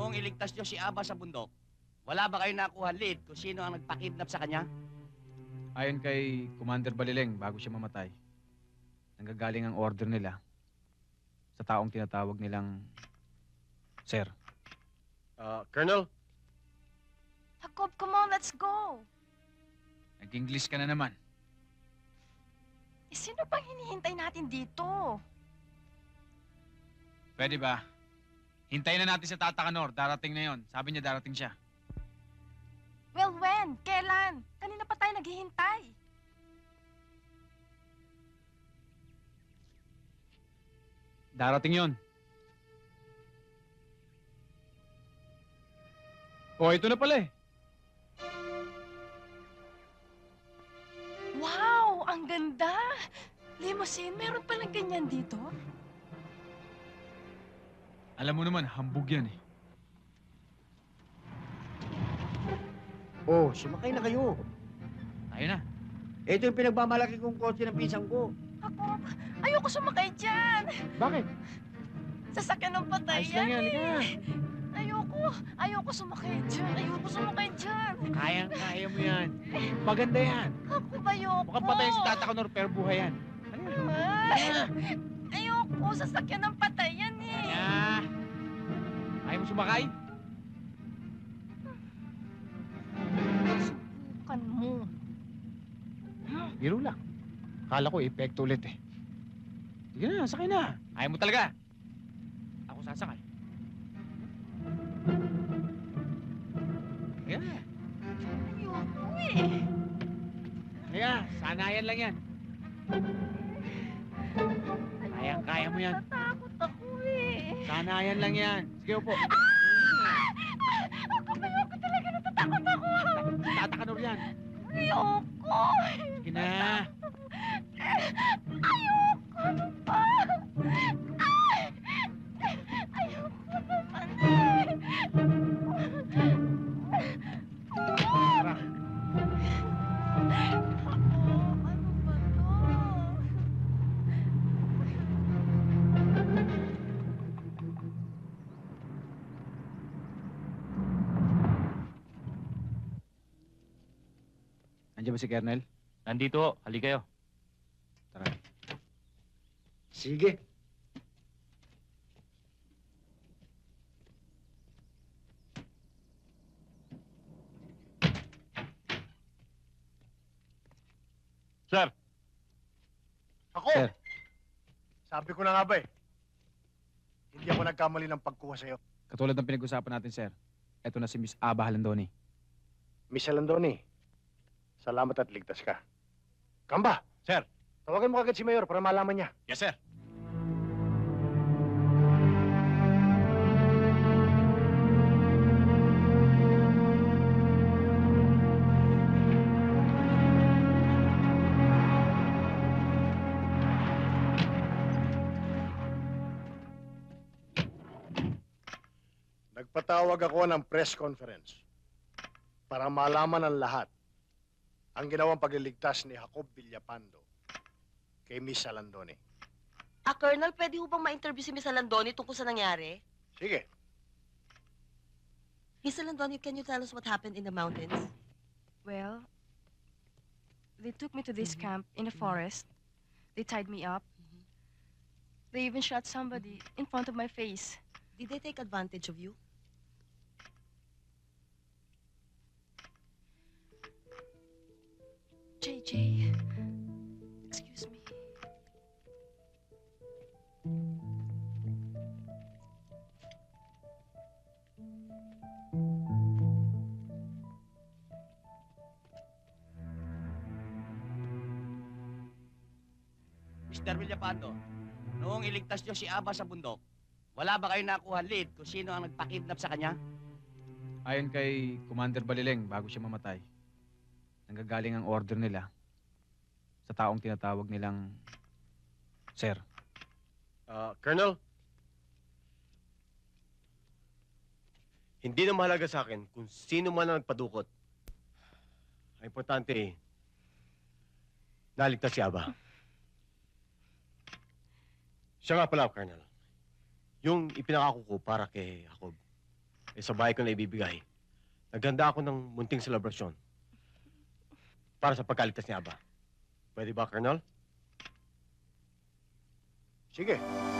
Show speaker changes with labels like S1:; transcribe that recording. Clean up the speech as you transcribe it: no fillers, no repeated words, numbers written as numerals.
S1: Noong iligtas niyo si Aba sa bundok, wala ba kayo nakuha lead kung sino ang nagpakidnap sa kanya?
S2: Ayon kay Commander Balileng, bago siya mamatay, nanggagaling ang order nila sa taong tinatawag nilang Sir.
S3: Colonel?
S4: Jacob, come on, let's go.
S2: Nag-English ka na naman.
S4: Eh, sino bang hinihintay natin dito?
S2: Pwede ba? Hintayin na natin si Tata Kanor. Darating na yon. Sabi niya darating siya.
S4: Well, when? Kailan? Kanina pa tayo naghihintay.
S2: Darating yon. Oh, ito na pala eh.
S4: Wow, ang ganda! Limousine, meron palang ganyan dito?
S2: Alam mo naman, hambog yan eh.
S5: Oh, sumakay na kayo.
S2: Tayo na.
S5: Ito yung pinagmamalaki kong kotse ng pisang ko.
S4: Jacob, ayoko sumakay dyan.
S5: Bakit?
S4: Sasakyan ng patay
S2: Ayos lang yan, halika na.
S4: Ayoko sumakay dyan. Ayoko sumakay dyan.
S5: Kayang-kaya mo yan. Maganda yan.
S4: Jacob, ayoko.
S5: Mukhang patay si Tata Kanor pero buhay yan.
S4: Ay, ayoko, sasakyan ng patay yan eh.
S5: Kaya. Ayaw mo sumakay?
S4: Subukan mo.
S5: Biro lang. Kala ko epekto ulit eh. Sige na, sakay na.
S2: Ayaw mo talaga. Ako sasakay.
S5: Kaya.
S4: Ayoko eh.
S5: Kaya, sanayan lang yan. Kayang-kaya mo yan.
S4: Natatakot ako eh.
S5: Sanayan lang yan. Sige, upo.
S4: Ako talaga natatakot ako.
S5: Tata Kanor yan.
S4: Ayoko.
S5: Sige na.
S4: Ayoko ano ba? Ayoko naman eh.
S5: Tara.
S4: Ako, ano ba to?
S2: Nandiyan ba si Kernel?
S1: Nandito, hali kayo.
S2: Tara.
S5: Sige.
S3: Sir! Ako!
S2: Sir.
S3: Sabi ko na nga ba eh. Hindi ako nagkamali ng pagkuha sa'yo.
S2: Katulad ng pinag-usapan natin, sir. Ito na si Miss Aba Halandoni.
S3: Miss Alandoni, salamat at ligtas ka. Kamba! Sir! Tawagan mo agad si Mayor para malaman niya. Yes, sir. Nagpatawag ako ng press conference para malaman ng lahat ang ginawang pagliligtas ni Jacob Villapando kay Miss Alandoni.
S6: Colonel, pwede ho bang ma-interview si Miss Alandoni tungkol sa nangyari?
S3: Sige.
S6: Miss Alandoni, can you tell us what happened in the mountains?
S4: Well, they took me to this camp in the forest. They tied me up. They even shot somebody in front of my face.
S6: Did they take advantage of you?
S4: JJ, excuse me.
S1: Mr. Villapando, noong iligtas niyo si Aba sa bundok, wala ba kayo nakuha lead kung sino ang nagpakidnap sa kanya?
S2: Ayon kay Commander Balileng, bago siya mamatay, nanggagaling ang order nila sa taong tinatawag nilang Sir.
S7: Colonel? Hindi na mahalaga sa akin kung sino man ang nagpadukot. Ang importante naligtas si Aba. Siya nga pala, Colonel. Yung ipinangako ko para kay Jacob. ay sa bahay ko na ibibigay. Naghanda ako ng munting selebrasyon para sa pagkaligtas ni Aba. Pwede ba, Colonel?
S3: Sige.